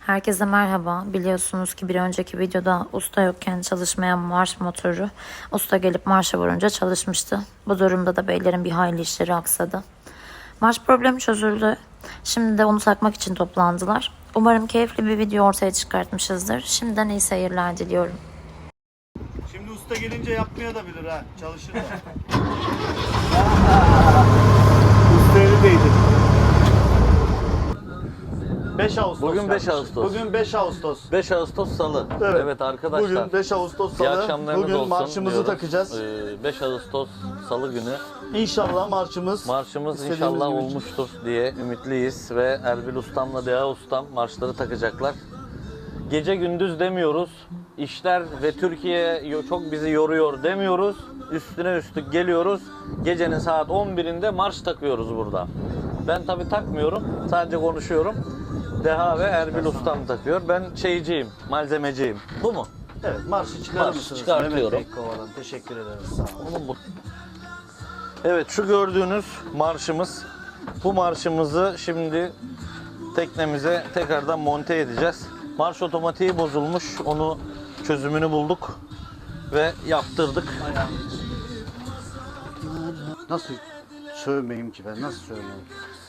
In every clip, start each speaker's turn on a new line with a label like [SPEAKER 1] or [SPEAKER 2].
[SPEAKER 1] Herkese merhaba. Biliyorsunuz ki bir önceki videoda usta yokken çalışmayan marş motoru usta gelip marşa vurunca çalışmıştı. Bu durumda da beylerin bir hayli işleri aksadı. Marş problemi çözüldü. Şimdi de onu takmak için toplandılar. Umarım keyifli bir video ortaya çıkartmışızdır. Şimdiden iyi seyirler diliyorum.
[SPEAKER 2] Şimdi usta gelince yapmaya da bilir ha. Çalışır da. Usta elindeydi. 5 Ağustos.
[SPEAKER 3] Bugün 5 Ağustos.
[SPEAKER 2] Bugün 5 Ağustos.
[SPEAKER 3] 5 Ağustos Salı.
[SPEAKER 2] Evet.
[SPEAKER 3] Arkadaşlar.
[SPEAKER 2] Bugün 5 Ağustos
[SPEAKER 3] İyi
[SPEAKER 2] Salı.
[SPEAKER 3] akşamlarınız
[SPEAKER 2] Bugün
[SPEAKER 3] olsun
[SPEAKER 2] marşımızı
[SPEAKER 3] diyoruz.
[SPEAKER 2] takacağız.
[SPEAKER 3] 5 Ağustos Salı günü.
[SPEAKER 2] İnşallah marşımız
[SPEAKER 3] Marşımız
[SPEAKER 2] istediğimiz
[SPEAKER 3] inşallah
[SPEAKER 2] gibi
[SPEAKER 3] olmuştur diye ümitliyiz ve Erbil Ustam'la Deha Ustam marşları takacaklar. Gece gündüz demiyoruz. İşler ve Türkiye çok bizi yoruyor demiyoruz. Üstüne üstlük geliyoruz. Gecenin saat 11'inde marş takıyoruz burada. Ben tabii takmıyorum. Sadece konuşuyorum. Deha ve Erbil Ustam takıyor. Ben şeyciyim, malzemeciyim. Bu mu?
[SPEAKER 2] Evet, marşı çıkarır
[SPEAKER 3] Marşı
[SPEAKER 2] mısınız?
[SPEAKER 3] çıkartıyorum.
[SPEAKER 2] Mehmet Bey Kovalan. Teşekkür ederiz. Sağ olun.
[SPEAKER 3] Onu bu. Evet, şu gördüğünüz marşımız. Bu marşımızı şimdi teknemize tekrardan monte edeceğiz. Marş otomatiği bozulmuş. Onu çözümünü bulduk ve yaptırdık.
[SPEAKER 2] Nasıl sövmeyeyim ki ben? Nasıl sövmeyeyim?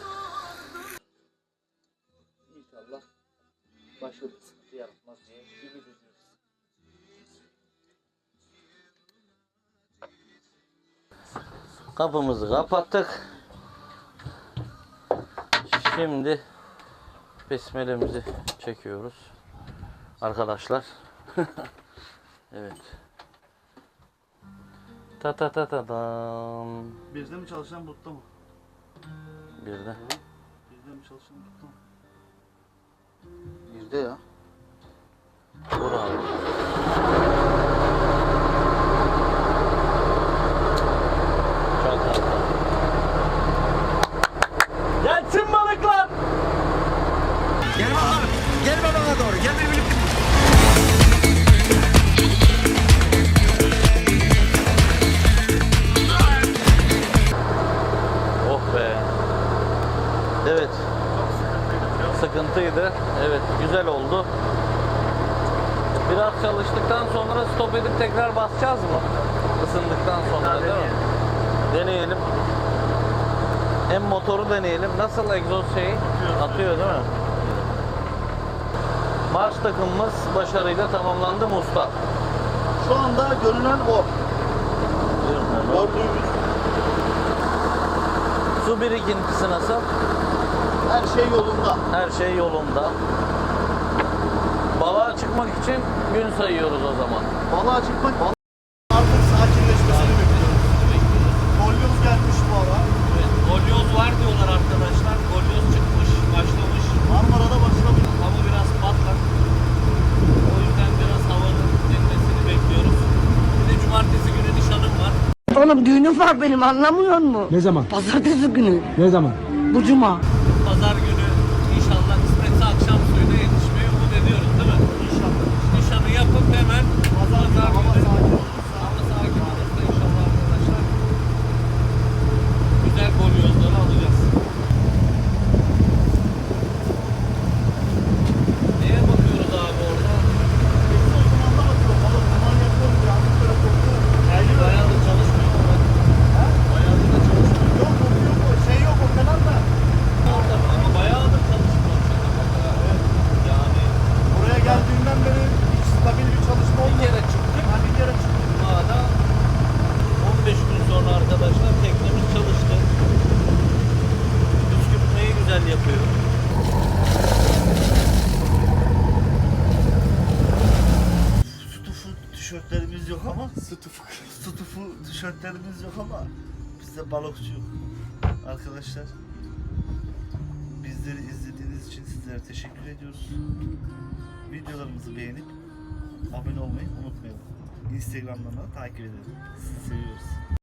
[SPEAKER 3] İnşallah başka bir sıkıntı yaratmaz diye ümit ediyoruz. Kapımızı kapattık. Şimdi besmelemizi çekiyoruz. Arkadaşlar. Evet. Ta ta ta ta tam.
[SPEAKER 2] Bizde mi çalışan But'ta mı?
[SPEAKER 3] Bir de.
[SPEAKER 2] Bizde mi çalışan But'ta mı?
[SPEAKER 4] Bizde ya.
[SPEAKER 3] Vur abi. Çok harika. Gelsin balıklar!
[SPEAKER 4] Gel bakalım. Gel bana doğru. Gel birbirini.
[SPEAKER 3] Oh be. Evet. Sıkıntıydı. Evet, güzel oldu. Biraz çalıştıktan sonra stop edip tekrar basacağız mı? Isındıktan sonra değil mi? Deneyelim. Hem motoru deneyelim. Nasıl egzoz şeyi? Atıyor değil mi? Marş takımımız başarıyla tamamlandı mı usta?
[SPEAKER 2] Şu anda görünen o. Gördüğümüz
[SPEAKER 3] Su birikintisi nasıl?
[SPEAKER 2] her şey yolunda.
[SPEAKER 3] Her şey yolunda. Balığa çıkmak için gün sayıyoruz o zaman.
[SPEAKER 2] Balığa çıkmak artık sakinleşmesini bekliyoruz. Kolyoz gelmiş bu ara.
[SPEAKER 3] Evet, golyoz var diyorlar arkadaşlar. Golyoz çıkmış, başlamış.
[SPEAKER 2] Marmara'da başlamış.
[SPEAKER 3] Hava biraz patlak. O yüzden biraz havanın dinmesini bekliyoruz. Bir de cumartesi günü nişanım var.
[SPEAKER 5] Oğlum düğünüm var benim anlamıyor musun?
[SPEAKER 6] Ne zaman?
[SPEAKER 5] Pazartesi günü.
[SPEAKER 6] Ne zaman?
[SPEAKER 5] Bu cuma.
[SPEAKER 3] Pazar günü inşallah kısmetse akşam suyuna yetişmeyi umut ediyoruz değil mi?
[SPEAKER 2] İnşallah.
[SPEAKER 3] Nişanı yapıp hemen pazar günü
[SPEAKER 2] Hava sakin olursa.
[SPEAKER 3] hava sakin olursa inşallah arkadaşlar güzel golyozları alacağız. Neye bakıyoruz abi orada? Bayağıdır çalışmıyor mu? Bayağıdır da çalışmıyor.
[SPEAKER 2] Yok şey yok o kadar da.
[SPEAKER 3] Orada ama bayağıdır çalışmıyor. Yani
[SPEAKER 2] Buraya geldiğinden beri hiç stabil bir çalışma
[SPEAKER 3] bir
[SPEAKER 2] olmadı.
[SPEAKER 3] kere çıktık.
[SPEAKER 2] Ha, bir kere çıktı.
[SPEAKER 3] Cuma'da 15 gün sonra arkadaşlar teknemiz çalıştı. Püskürtmeyi güzel yapıyor.
[SPEAKER 2] Stufu tişörtlerimiz yok ama stufu tişörtlerimiz yok ama bizde balıkçı yok. Arkadaşlar bizleri izlediğiniz için sizlere teşekkür ediyoruz. Videolarımızı beğenip abone olmayı unutmayalım. Instagram'dan da takip edelim. Sizi seviyoruz.